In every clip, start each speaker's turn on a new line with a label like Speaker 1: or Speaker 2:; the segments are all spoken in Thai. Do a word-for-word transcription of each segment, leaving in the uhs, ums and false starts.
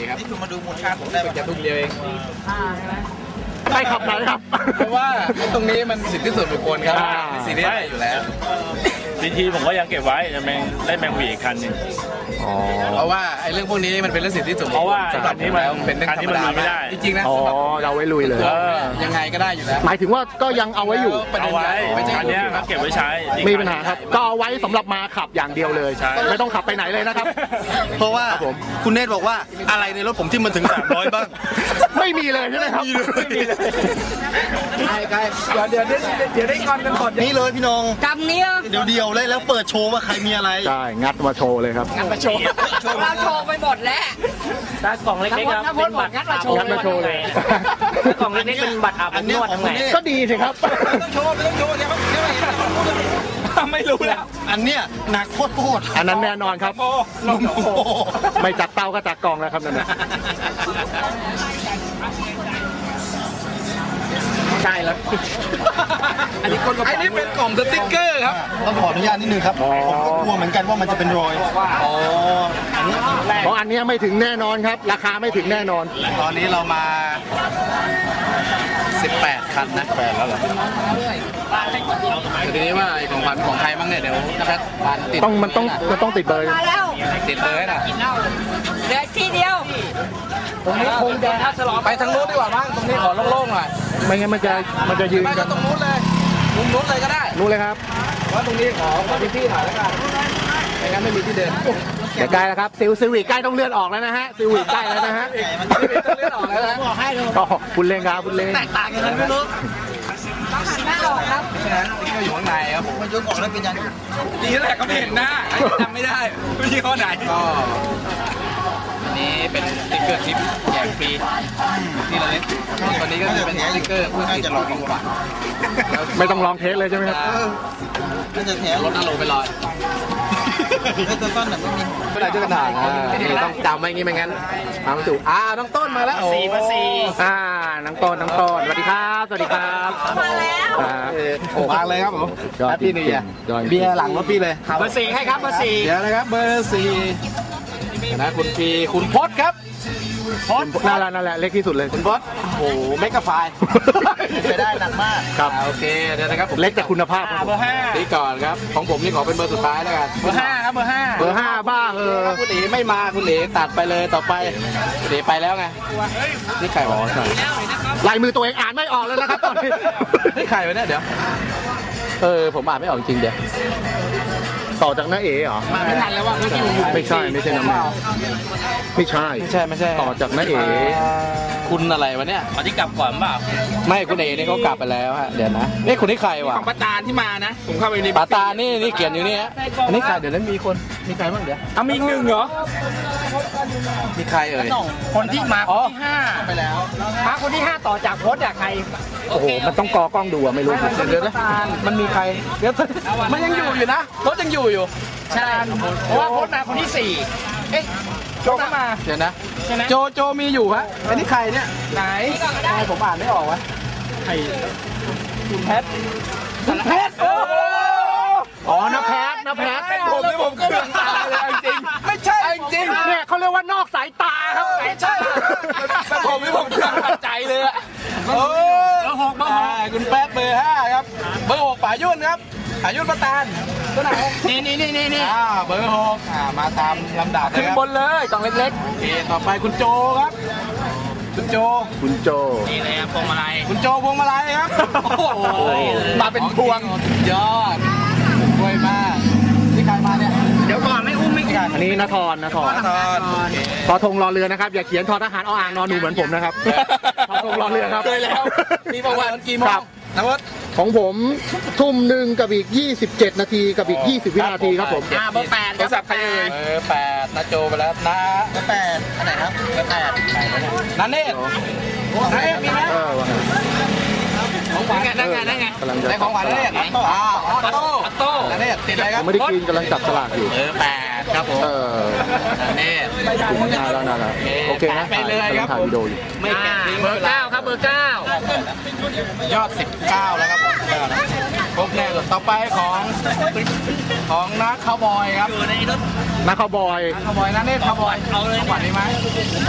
Speaker 1: ครับนี่คุณมาดูมูลค่าผมได้แค่ทุ่มเดียวเอง
Speaker 2: ใช่ขับไหนครับ
Speaker 1: เพราะว่าตรงนี้มันสิทธิส่วนบุคคลครับมีสิทธิอะไรอยู่แล้ว
Speaker 3: ทีทีผมก็ยังเก็บไว้จะแมงได้แมงวีอีกคันนึง
Speaker 1: เพราะว่าไอ้เรื่องพวกนี้มันเป็นเรื่องสิทธิส่วนบุคคล
Speaker 3: เพราะว่าคันนี้มัน
Speaker 1: เป็นเรื่องธรรมดา
Speaker 3: ไม่ได้
Speaker 1: จริงๆนะ
Speaker 2: อ๋อเราไว้ลุยเลย
Speaker 1: ยังไงก็ได้อยู่แล้ว
Speaker 2: หมายถึงว่าก็ยังเอาไว้อยู่
Speaker 3: เอาไว้คันนี้ก็เก็บไว้ใช้
Speaker 2: มีปัญหาครับก็เอาไว้สำหรับมาขับอย่างเดียวเลยไม่ต้องขับไปไหนเลยนะครับ
Speaker 4: เพราะว่าคุณเนตรบอกว่าอะไรในรถผมที่มันถึงสามร้อยบ้าง
Speaker 2: ไม่มีเลยใช่ไหมครับไม่มีเลย
Speaker 1: ใช่ใช่เดี๋ยวเดี๋ยวเดี๋ยวได้งอนกันหมด
Speaker 4: นี่เลยพี่น้อง
Speaker 5: กำนี้
Speaker 4: เดี๋ยวเดียวเลยแล้วเปิดโชว์ว่าใครมีอะไร
Speaker 2: ใช่งัดมาโชว์เลยครับ
Speaker 1: งัดมาโชว์
Speaker 5: เราโชว์ไปหมดแล้ว
Speaker 3: ตากล่องเล็กๆครับ
Speaker 5: เป็นบัตรงัดมาโชว์
Speaker 2: งัดมาโชว์เลย
Speaker 3: ตากล่องเล็กๆเป็นบัตรอาบนวดทำไง
Speaker 2: ก็ดีสิครับ
Speaker 1: ไม่ต้องโชว์ไม่ต้องโชว์เดี๋ยวเดี๋ยวไม่รู้แล้ว
Speaker 4: อันเนี้ยหนักโคตรโคตร
Speaker 2: อันนั้นแน่นอนครับไม่จากเตาก็จากกล่องแล้วครับนั่นนะ
Speaker 1: ใช่แล้วอันนี้คนอันนี้เป็นกล่องสติ๊กเกอร์ครับ
Speaker 4: ต้องขออนุญาตนิดนึงครับผมก็กลัวเหมือนกันว่ามันจะเป็นรอยอ๋อ
Speaker 2: เพราะอันนี้ไม่ถึงแน่นอนครับราคาไม่ถึงแน่นอน
Speaker 1: ตอนนี้เรามาสิบแปดคันนะแปดแล้วเหรอทีนี้ว่าของขวัญของใครบ้างเนี่ยเดี๋ยวนะครับติด
Speaker 2: ต้องมันต้องมันต้องติดเบอร์
Speaker 1: ติดเบอร์นะ
Speaker 5: เหลือที่เดียว
Speaker 1: ตรงนี้คงจะไปทางนู้นดีกว่าบ้างตรงนี้ขอโล่งๆหน่อย
Speaker 2: ไม่งั้นมันจะมันจะยืน
Speaker 1: กันตรงนู้นเลยมุมนู้นเลยก็ได้
Speaker 2: นู้นเลยครับ
Speaker 1: ว่าตรงนี้ขอขอพี่ๆหน่อยแล้วกันไม่งั้นไม่มีที่เดิน
Speaker 2: ใกล้แล้วครับซิลซิวิใกล้ต้องเลื่อนออกแล้วนะฮะซิวิใกล้แล้วนะฮะ
Speaker 1: เลื่อนออกแล้วนะ
Speaker 5: บอกให้เลย
Speaker 2: ก็คุณเล่นครับคุณเล่น
Speaker 1: แตกต่างกันไม่รู้
Speaker 5: ต้องหันหน้าออกครับ
Speaker 1: ฉะนั้นที่ก็อยู่ข้างในครับผม
Speaker 4: มันยกออกแล้วเป็นยัง
Speaker 1: ดีแหละก็ไม่เห็นหน้าจำไม่ได้ไม่ใช่ข้อไหนก็อันนี้เป็นสติ๊กเกอร์ทิปแจกฟรีที่เราเล่นตอนนี้ก็จะเป็นสติ๊กเกอร์ผู้ที่จะลองดีกว่า
Speaker 2: ไม่ต้องลองเทสเลยใช่ไหมครับ
Speaker 4: น่าจะแถม
Speaker 1: รถน่าลงไปลอย
Speaker 4: ต้นต้นแบบไม่มี
Speaker 1: ไม่ได้เจอกระถางต้องจำไว้งี้ไม่งั้นทำถูกอ่าน้องต้นมาแล้ว
Speaker 3: สี่มาสี่
Speaker 2: อ่าน้องต้นน้องต้นสวัสดีครับสวัสดีครับ
Speaker 5: มาแล้ว
Speaker 1: โอ้มาเลยครับผมพี่นี่เบียร์หลังรถพี่เลย
Speaker 3: เบอร์สี่ให้ครับเบอร์สี่
Speaker 1: เดี๋ยวนะครับเบอร์สี่นะคุณพีคุณพศครับ
Speaker 2: พศนั่นแหละนั่นแหละเล็กที่สุดเลย
Speaker 1: คุณพศโอ้โหเมกะไฟล์
Speaker 4: ไปได้หนักมาก
Speaker 2: ครับ
Speaker 1: โอเคเดี๋ยวนะครับ
Speaker 2: เล็กแต่คุณภาพ
Speaker 3: เบอร์ห้า
Speaker 1: นี่ก่อนครับของผมนี่ขอเป็นเบอร์สุดท้ายแล้วกัน
Speaker 3: เบอร์ห้าครับเบอร์ห้า
Speaker 2: เบอร์ห้าบ้าเออ
Speaker 1: คุณเอ๋ไม่มาคุณเอ๋ตัดไปเลยต่อไปคุณเอ๋ไปแล้วไงนี่ใครวะ
Speaker 2: ลายมือตัวเองอ่านไม่ออกเลยนะครับตอนนี้
Speaker 1: นี่ใครวะเนี่ยเดี๋ยวเออผมอ่านไม่ออกจริงเดี๋ยว
Speaker 2: ต่อจากน้าเอ๋เหรอ
Speaker 1: มาไม่ทันแล้วว่า
Speaker 2: ไม่ใช่ไม่ใช่น้ำมันไม่ใช่
Speaker 1: ไม่ใช่ไม่ใช่
Speaker 2: ต่อจากน้าเอ๋
Speaker 1: คุณอะไรวะเนี่ย
Speaker 3: ตอนที่กลับก่อนเปล่า
Speaker 1: ไม่คุณเอ๋นี่เขากลับไปแล้วฮะเดี๋ยวนะนี่คุณนี่ใครวะ
Speaker 3: ของป้าตาที่มานะผมเข้าไปใน
Speaker 1: ป้าตานี่นี่เขียนอยู่นี่ฮะอันนี้ใครเดี๋ยวนั้นมีคนมีใครบ้างเดี๋ยว
Speaker 3: อ่ะมีหนึ่งเหรอ
Speaker 1: มีใครเอ่ย
Speaker 3: คนที่มาคนที่ห้า
Speaker 1: ไปแล้ว
Speaker 3: มาคนที่ห้าต่อจากโพสจากใคร
Speaker 2: โอ้โหมันต้องกอกล้องดูอะไม่รู้
Speaker 1: เดี๋ยวนะมันมีใครเดี๋ยวมันยังอยู่อยู่นะรถยังอยู่อยู่
Speaker 3: ใช่เพราะว่าโพสมาคนที่สี่เอ๊ะโจมา
Speaker 1: เดี๋ยวนะโจโจมีอยู่ฮะอันนี้ใครเนี่ย
Speaker 3: ไหน
Speaker 1: ใครผมอ่านไม่ออกวะ
Speaker 3: ใคร
Speaker 1: คุณแพทคุณแพท
Speaker 2: อ๋อน้าแพทน้าแพท
Speaker 1: เป็นผมเลยผมก็เป็นตาเลยจริงไม่ใช่จริง
Speaker 2: เนี่ยเขาเรียกว่านอกสายตาครับ
Speaker 1: ไม่ใช่เป็นผมที่ผมเชื่อมั่นใจเลยอะเออหกเบอร์หกคุณแป๊ดเบอร์ห้าครับเบอร์หกป่ายุ่นครับป่ายุ่นประตานตัวไหน
Speaker 3: นี่นี่นี่นี่นี่
Speaker 1: อ่าเบอร์หกอ่ามาตามลำดับเลยครับ
Speaker 3: บนเลยกล่องเล็ก
Speaker 1: ๆโอเคต่อไปคุณโจครับคุณโจ
Speaker 2: คุณโจ
Speaker 3: นี่เลยพวงมาลัย
Speaker 1: คุณโจพวงมาลัยครับโอ้โหมาเป็นพวงยอดรวยมากนี่ใครมาเนี่ย
Speaker 3: เดี๋ยวก่อนไม่อุ้มไม่
Speaker 2: กันอันนี้นครนคร
Speaker 1: นคร
Speaker 2: ทอทงรอเรือนะครับอย่าเขียนทอทหารออ่างนอนหนูเหมือนผมนะครับทอทงรอเรือครับ
Speaker 1: เคยแล้วมีประวัติกี่โมงนะวัด
Speaker 2: ของผมทุ่มหนึ่งกับอีกยี่สิบเจ็ดนาทีกับอีกยี่สิบวินาทีครับผม
Speaker 3: อ่าเบอร์แปด
Speaker 1: โทรศัพท์ใครเอ่ยเบอร์แปดนะโจไปแล้วนะ
Speaker 4: เบอร์แปดอันไหนครับเบอร์แปด
Speaker 1: นันเนตนันเนตมีไหมของหวาน
Speaker 3: นั่งไงนั่งไง
Speaker 1: ในของหวานนันเนตออโต้ออโต้ออโต้นันเนตติดอะไรครับ
Speaker 2: ไม่ได้กินกำลังจับสลากอยู่
Speaker 1: เบอร์แปดครับผม
Speaker 2: เออ
Speaker 1: นันเนต
Speaker 2: นานแล้วนานแล้วโอเคนะ
Speaker 1: ไปเลยครับ
Speaker 2: ถ่ายวิดีโออยู่
Speaker 3: ไม่แกะเบอร์เก้าครับเบอร์เก้
Speaker 1: ายอดสิบเก้าแล้วครับครบแน่เลยต่อไปของของนักคาวบอยครับ
Speaker 2: นักคาวบอย
Speaker 1: นักคาวบอยนันเนตคาวบอย
Speaker 3: เอาเลย
Speaker 1: ขวัญนี้ไหม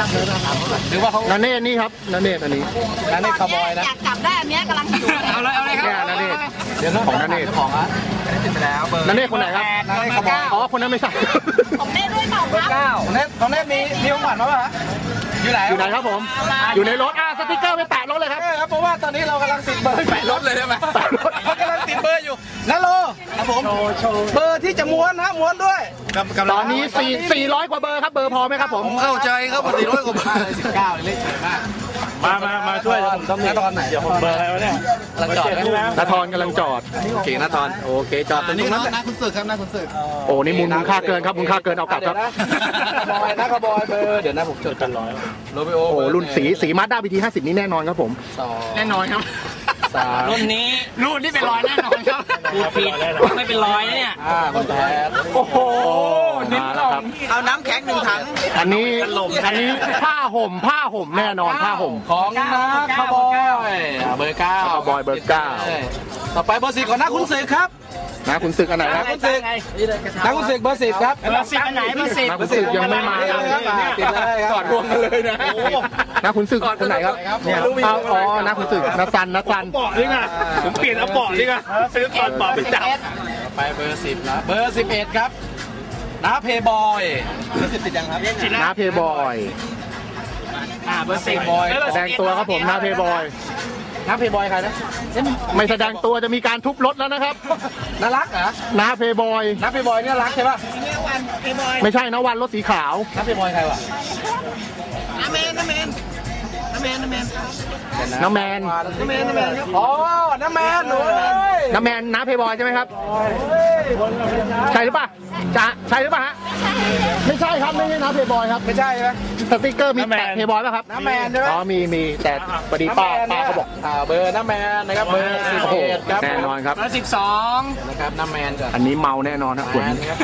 Speaker 1: หรือว่าเขา
Speaker 2: นันเนตนี่ครับนันเนตอันนี้
Speaker 1: นั่นนี่คาวบอยนะ
Speaker 5: อยากกลับได้อันเนี้ยกำลังหิวเลย
Speaker 1: เอาเลยเอาเลยครับ
Speaker 2: แค่นันเนต
Speaker 1: เดี๋ยวนะ
Speaker 2: ของนันเนต
Speaker 1: ของอ่ะอันนี้ติดไปแล้วเบอร์
Speaker 2: นันเนตคนไหนครับ
Speaker 1: นั่นนี่คาวบอย
Speaker 2: อ๋อคนนั้นไม่ใช่
Speaker 5: ผมได้ด้วยเปล่าครับ
Speaker 1: เก้าของเน็ตของเน็ตมีมีของขวัญมาป่ะฮะอยู่ไหน
Speaker 2: อยู่ไหนครับผม อยู่ในรถอ่ะสติ๊กเกอร์ไปแปะรถเลยครับ
Speaker 1: เออครับเพราะว่าตอนนี้เรากำลังติดเบอร์แปะรถเลยใช่ไหมเขากำลังติดเบอร์อยู่นั่นโลครับผมเบอร์ที่จะม้วนนะม้วนด้วย
Speaker 2: ตอนนี้สี่สี่ร้อยกว่าเบอร์ครับเบอร์พอไหมครับผม
Speaker 4: ผมเข้าใจครับว่าสี่ร้อยกว่าบาท
Speaker 1: สิบเก้าเลขสวยมาก
Speaker 3: มามามาช่วย
Speaker 1: ผมต้องมีตอนไหนเดี๋ยวผม
Speaker 3: เบอร์อะไรวะเนี่ย
Speaker 1: กำลังจอดนะ
Speaker 2: นาทรกำลังจอด
Speaker 1: โอเคนะตอนโอเคจอดตรง
Speaker 4: นี่
Speaker 1: นั้น
Speaker 4: นะคุณศึกครับนะคุณศึก
Speaker 2: โอ้นี่มูลมูลค่าเกินครับมูลค่าเกินเอากลับครับ
Speaker 1: บอยนะคาบอยเบอร์เดี๋ยวนะผมจดกันร้อยโรบิโอ
Speaker 2: โอ้รุ่นสีสีมาด้าบีทีห้าสิบนี่แน่นอนครับผม
Speaker 1: สอง
Speaker 3: แน่นอนครับ
Speaker 1: สาม
Speaker 3: รุ่นนี้รุ่นที่เป็นรอยแน่นอนครับพูดผิดไม่เป็นรอยนะเนี่ย
Speaker 1: ห้าคนแพ้
Speaker 2: โอ้โหมาแล้วครับ
Speaker 4: เอาน้ำแข็งหนึ่งถัง
Speaker 2: อันนี้อันนี้ผ้าห่มผ้าห่มแน่นอนผ้าห่ม
Speaker 1: ของนะคาบอยเบอร์เก้า
Speaker 2: คาร์บอยเบอร์เก้า
Speaker 1: ต่อไปเบอร์สิบก่อนนะคุณศึกครับ
Speaker 2: นะคุณศึกอันไหนครับ
Speaker 1: คุณศึกนะคุณศึกเบอร์สิบครับ
Speaker 3: เบอร์สิบอันไหนเบอร์สิบ
Speaker 2: นะคุณศึกยังไม่มาเลย
Speaker 1: ติดเลยครับ
Speaker 2: กอดรวมกันเลยนะนะคุณศึกคนไหนครับเอาอ๋อนะคุณศึกนะซันนะซัน
Speaker 3: เบาะนี่ไงผมเปลี่ยนเอาเบาะนี่ไงซื้อตอนเบาะไปจับ
Speaker 1: ต่อไปเบอร์สิบนะเบอร์สิบเอ็ดครับนะเพย์บอยเบอร์สิบติดยังครับ
Speaker 2: นะเพย์บอย
Speaker 3: อ่าเบอร์สิบ
Speaker 2: แสดงตัวครับผมนะเพย์บอย
Speaker 1: นะเพย์บอยใครนะ
Speaker 2: ไม่แสดงตัวจะมีการทุบรถแล้วนะครับ
Speaker 1: น่ารักเหรอ
Speaker 2: นะเพย์บอย
Speaker 1: นะเพย์บอยเนี่ยรักใช่ป่ะ
Speaker 2: ไม่ใช่นะวันรถสีขาว
Speaker 1: นะเพย์บอยใครวะ
Speaker 2: น้าแมน
Speaker 1: น้าแมนน้าแมนน้าแมนอ๋อน้าแมนหนู
Speaker 2: น้าแมนน้าเพย์บอยใช่ไหมครับใช่หรือเปล่าจะใช่หรือเปล่าฮะไม่ใช่ครับไม่ใช่น้าเพย์บอยครับ
Speaker 1: ไม่ใช่ไหม
Speaker 2: สติ๊กเกอร์มีแปะเพย์บอยป่ะครับ
Speaker 1: น้าแมนใช่ไหม
Speaker 2: อ๋อมีมีแต่พอดีป้าป้าเขาบอก
Speaker 1: อ่าเบอร์น้าแมนนะครับเบอร์สิบ
Speaker 2: โอ้โห
Speaker 1: เอ็ดครับ
Speaker 2: แน่นอนครับ
Speaker 3: เบอร์สิบสอง
Speaker 1: นะครับน้าแมนก่อน
Speaker 2: อันนี้เมาแน่นอนครับคุณ
Speaker 1: แมนครับ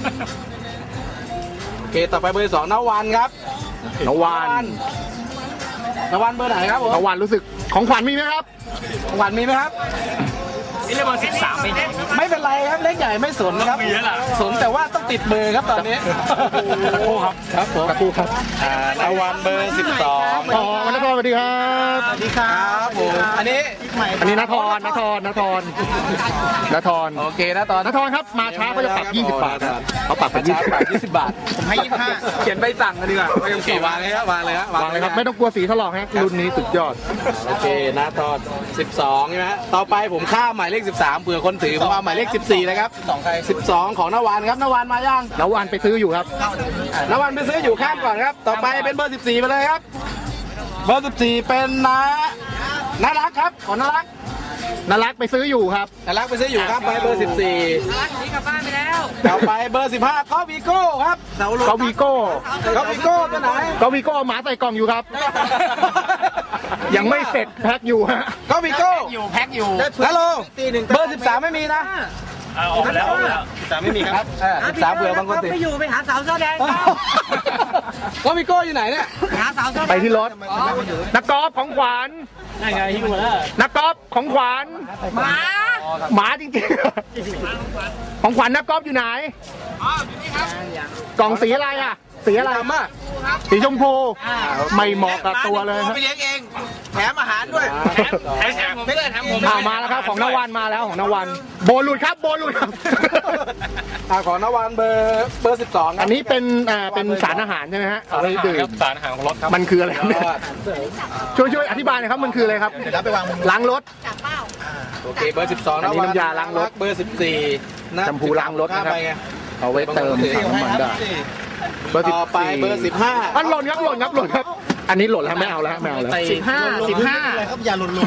Speaker 1: โอเคต่อไปเบอร์สองน้าวันครับ
Speaker 2: นวาน
Speaker 1: น้าวันเบอร์ไหนครับผม
Speaker 2: นวานรู้สึกของขวัญมีไหมครับ
Speaker 1: ของขวัญมีไหมครับ
Speaker 3: นี่เรียกเบอร์สิบสามไปไหน
Speaker 1: ไม่เป็นไรครับเล็กใหญ่ไม่สนนะครับ
Speaker 3: มีแล้วล่ะ
Speaker 1: สนแต่ว่าต้องติดเบอร์ครับตอนนี้
Speaker 2: โอ้ครับครับผมตะกูครับ
Speaker 1: อ่านาวันเบอร์สิบสอง
Speaker 2: อ๋อวันนครสวัสดีครับ
Speaker 1: สวัสดีครับผมอันนี้
Speaker 2: อันนี้นทรนทรนทรนทร
Speaker 1: โอเคนะตอน
Speaker 2: นทรครับมาช้าเขาจะปรับยี่สิบบาทครับเขาปรับเป็น
Speaker 1: ช้า
Speaker 2: ยี่สิบ
Speaker 1: ปรับยี่สิบบาท
Speaker 2: ผมให้ยี่สิบห้า
Speaker 1: เขียนใบสั่งกันดีกว่าโอเควางเลยครับวางเลยครับ
Speaker 2: วางเลยครับไม่ต้องกลัวสีถลอกฮะรุ่นนี้สุดยอด
Speaker 1: โอเคนะตอนสิบสองใช่ไหมฮะต่อไปผมข้ามหมายเลขสิบสามเผื่อคนถือผมเอาหมายเลขสิบสี่นะครับสิบสองของนวันครับนวันมายัง
Speaker 2: นวานไปซื้ออยู่ครับ
Speaker 1: นวันไปซื้ออยู่ข้ามก่อนครับ ต่อไปเป็นเบอร์สิบสี่ไปเลยครับ เบอร์สิบสี่เป็นนะน่ารักครับของน่ารัก
Speaker 2: นารักไปซื้ออยู่ครับ
Speaker 1: น่ารักไปซื้ออยู่ครับไปเบอร์สิบสี่
Speaker 5: รักหนีกลับบ้านไปแล้ว
Speaker 1: ต่อไปเบอร์สิบห้าก็วีโก้ครับ
Speaker 2: ก็วีโก้
Speaker 1: ก็วีโก้ตัวไหน
Speaker 2: ก็วีโก้เอาหมาใส่กล่องอยู่ครับ ยังไม่เสร็จแพ็คอยู่ฮะ
Speaker 1: ก็วีโก้
Speaker 3: อยู่แพ็คอยู่
Speaker 1: ฮัลโหลเบอร์สิบสามไม่มีนะ
Speaker 3: เอาออกไปแล้ว
Speaker 1: สามไม่มีครับสิบสามเผื่อบางคนติด
Speaker 5: ไม่อยู่ไปหาสาวเสื้อแดง
Speaker 1: ก็วีโก้อยู่ไหนเนี่ย
Speaker 5: หาสาวเสื้อแดง
Speaker 2: ไปที่รถนักกอล์ฟของขวัญ
Speaker 3: นั่นไงฮิ้วมาแล้ว
Speaker 2: นักกอล์ฟของขวัญ
Speaker 5: หมา
Speaker 2: หมาจริงๆของขวัญนักกอล์ฟอยู่ไหนกล่องสีอะไรอ่ะ สีอะไร
Speaker 1: ตามมา
Speaker 2: สีชมพูไม่เหมาะกับตัวเลยครับ
Speaker 4: ไปเลี้ยงเองแถมอาหารด้วย
Speaker 3: แถมผมไม่ได้แถมผม
Speaker 2: อ่ามาแล้วครับของนวันมาแล้วของนวันโบหลุดครับโบหลุดครับ
Speaker 1: อ่าของนวันเบอร์เบอร์สิบสอง
Speaker 2: อันนี้เป็นอ่าเป็นสารอาหารใช่ไหมฮะเอาไว้ดื่ม
Speaker 3: สารอาหารของรถครับ
Speaker 2: มันคืออะไรครับเนี่ยช่วยช่วยอธิบายหน่อยครับมันคืออะไรครับ
Speaker 4: เดี๋ยวรับไปวางบน
Speaker 2: ล้างรถ
Speaker 5: จับเป้า
Speaker 1: โอเคเบอร์สิบสอง
Speaker 2: อันนี้น้ำยาล้างรถ
Speaker 1: เบอร์สิบสี่
Speaker 2: แชมพูล้างรถนะครับ
Speaker 1: ไปไง
Speaker 2: เอาไว้เติมถังน้ำมันได้เบอร์สิบ
Speaker 1: ต่อไป
Speaker 2: สี่
Speaker 1: เบอร์สิบห้า
Speaker 2: อันหล่นครับหล่นครับหล่นครับ อันนี้หล่นแล้วไม่เอาแล้วไม่เอาแล้ว
Speaker 3: สิบห้าสิบห้า
Speaker 4: อะไรครับอย่าหล่นลง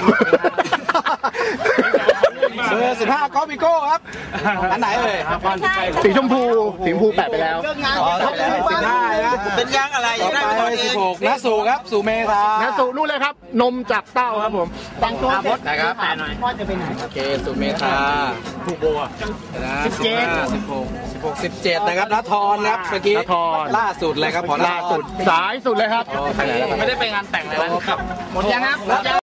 Speaker 1: เบอร์สิบห้าก็วิโก้ครับอันไหนเลย
Speaker 2: สีชมพูสีชมพูแปะไปแล้ว
Speaker 1: อ๋อสิบห้านะ
Speaker 4: เป็นยางอะไร
Speaker 1: ต่อ
Speaker 4: ได้
Speaker 1: ไป
Speaker 4: ไปตอนเอ
Speaker 1: สิ
Speaker 4: ง
Speaker 1: บหกนะสู่ครับสู่เมธา
Speaker 2: นะสุนู่นเลยครับ นมจากเต้าครับผมตังตัวเสร็จ
Speaker 1: นะครับ
Speaker 5: พ่อจะไปไหน
Speaker 1: โอเคสู่เมธา
Speaker 3: ถูกโบอ่ะ
Speaker 1: นะสิบเจ็ดสิบหกสิบหกสิบเจ็ดนะครับนทรนะครับเมื่อกี้
Speaker 2: นทร
Speaker 1: ล่าสุดเลยครับของนทร
Speaker 2: ล่าสุดสายสุดเลยครับ
Speaker 1: โอเค
Speaker 3: ไม่ได้ไปงานแต่งเลยนะครับหมดยังครับหมดยัง